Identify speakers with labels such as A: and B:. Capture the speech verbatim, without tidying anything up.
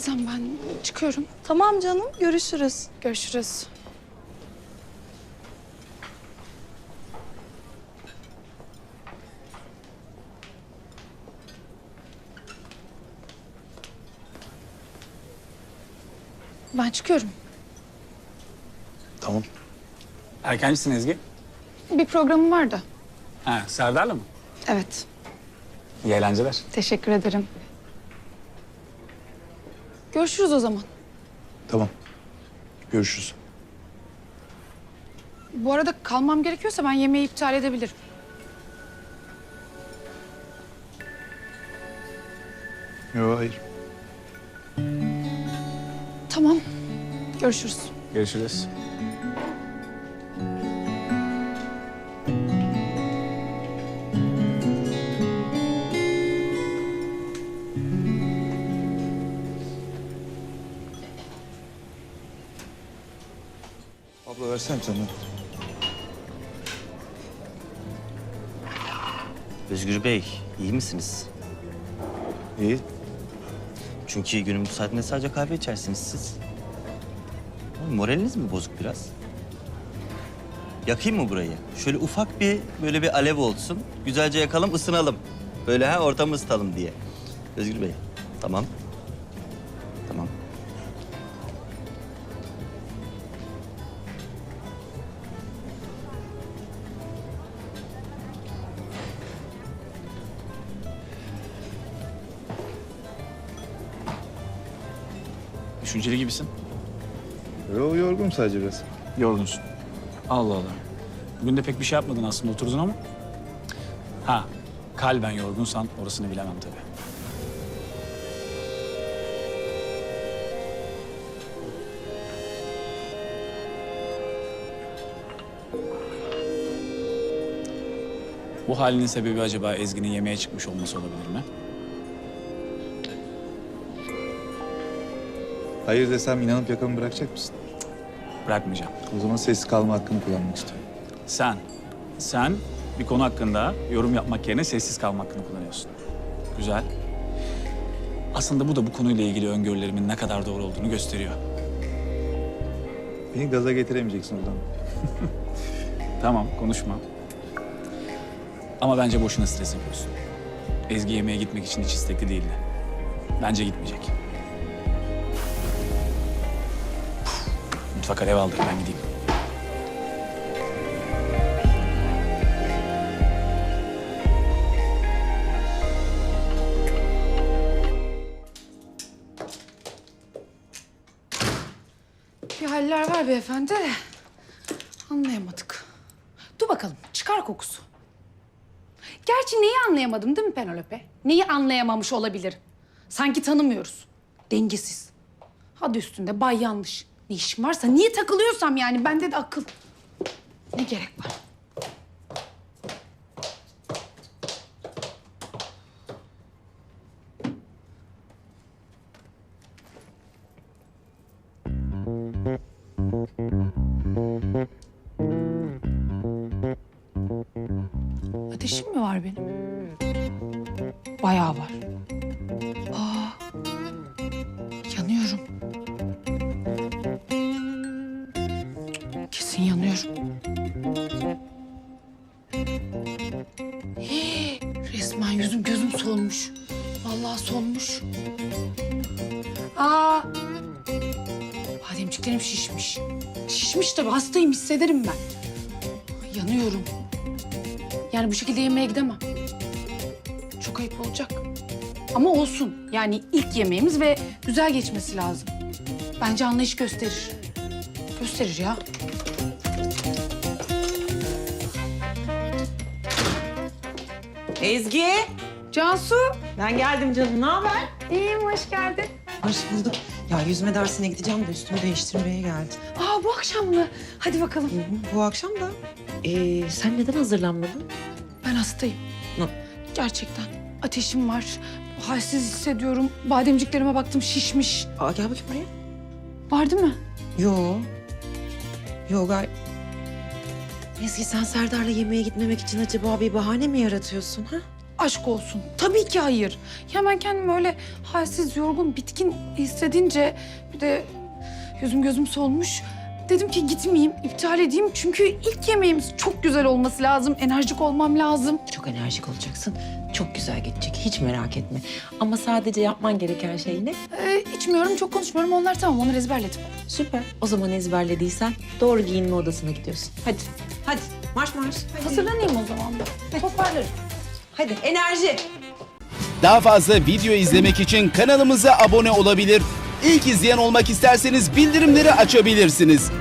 A: Sen ben çıkıyorum.
B: Tamam canım, görüşürüz.
A: Görüşürüz. Ben çıkıyorum.
C: Tamam.
D: Erkencisin Ezgi.
A: Bir programım var da.
D: Ha, Serdar'la mı?
A: Evet.
D: İyi eğlenceler.
A: Teşekkür ederim. Görüşürüz o zaman.
C: Tamam. Görüşürüz.
A: Bu arada kalmam gerekiyorsa ben yemeği iptal edebilirim.
C: Yok, hayır.
A: Tamam. Görüşürüz.
D: Görüşürüz.
C: Abla versene bir tane.
E: Özgür Bey, iyi misiniz?
C: İyi.
E: Çünkü günün bu saatinde sadece kahve içersiniz siz. Oğlum, moraliniz mi bozuk biraz? Yakayım mı burayı? Şöyle ufak bir, böyle bir alev olsun. Güzelce yakalım, ısınalım. Böyle ha, ortamı ısıtalım diye. Özgür Bey, tamam. Tamam.
D: Düşünceli gibisin.
C: Yok, yorgunum sadece biraz.
D: Yorgunsun. Allah Allah. Bugün de pek bir şey yapmadın aslında, oturdun ama. Ha, kalben yorgunsan orasını bilemem tabii. Bu halinin sebebi acaba Ezgi'nin yemeğe çıkmış olması olabilir mi?
C: Hayır desem inanıp yakamı bırakacak mısın?
D: Bırakmayacağım.
C: O zaman sessiz kalma hakkını kullanmak istiyorum.
D: Sen, sen bir konu hakkında yorum yapmak yerine sessiz kalma hakkını kullanıyorsun. Güzel. Aslında bu da bu konuyla ilgili öngörülerimin ne kadar doğru olduğunu gösteriyor.
C: Beni gaza getiremeyeceksin oradan.
D: Tamam, konuşma. Ama bence boşuna stres yapıyorsun. Ezgi yemeğe gitmek için hiç istekli değildi. Bence gitmeyecek. Mutfak alev aldık, ben gideyim.
A: Bir haller var beyefendi de anlayamadık. Dur bakalım, çıkar kokusu. Gerçi neyi anlayamadım değil mi Penelope? Neyi anlayamamış olabilir? Sanki tanımıyoruz. Dengesiz. Hadi üstünde bay yanlış. Ne işim varsa niye takılıyorsam yani bende de akıl. Ne gerek var? Ateşim mi var benim? Bayağı var. Aa, yanıyorum. Kesin yanıyorum. Hii, resmen yüzüm gözüm solmuş. Vallahi solmuş. Aa, bademciklerim şişmiş. Şişmiş tabii, hastayım, hissederim ben. Yanıyorum. Yani bu şekilde yemeğe gidemem. Çok ayıp olacak. Ama olsun. Yani ilk yemeğimiz ve güzel geçmesi lazım. Bence anlayış gösterir. Gösterir ya.
B: Ezgi,
A: Cansu.
B: ben geldim canım. Ne haber?
A: İyiyim, hoş geldin.
B: Hoş bulduk. Ya yüzme dersine gideceğim de üstümü değiştirmeye geldim.
A: Aa, bu akşam mı? Hadi bakalım.
B: Hı hı, bu akşam da. Ee, sen neden hazırlanmadın?
A: Ben hastayım.
B: Ne?
A: Gerçekten. Ateşim var. Halsiz hissediyorum. Bademciklerime baktım, şişmiş.
B: Aa, gel bakayım buraya.
A: Var değil mi?
B: Yo. Yo gay. Ezgi, sen Serdar'la yemeğe gitmemek için acaba bir bahane mi yaratıyorsun ha?
A: aşk olsun. Tabii ki hayır. Ya ben kendimi öyle halsiz, yorgun, bitkin hissedince bir de yüzüm gözüm solmuş. Dedim ki gitmeyeyim, iptal edeyim. Çünkü ilk yemeğimiz çok güzel olması lazım. Enerjik olmam lazım.
B: Çok enerjik olacaksın. Çok güzel geçecek. Hiç merak etme. Ama sadece yapman gereken şey ne?
A: Ee, içmiyorum, çok konuşmuyorum. Onlar tamam, onları ezberledim.
B: Süper. O zaman ezberlediysen doğru giyinme odasına gidiyorsun. Hadi. Hadi. Marş marş. Hadi.
A: Hazırlanayım o zaman. Toparlarım.
B: Hadi. Enerji.
F: Daha fazla video izlemek için kanalımıza abone olabilir. İlk izleyen olmak isterseniz bildirimleri açabilirsiniz.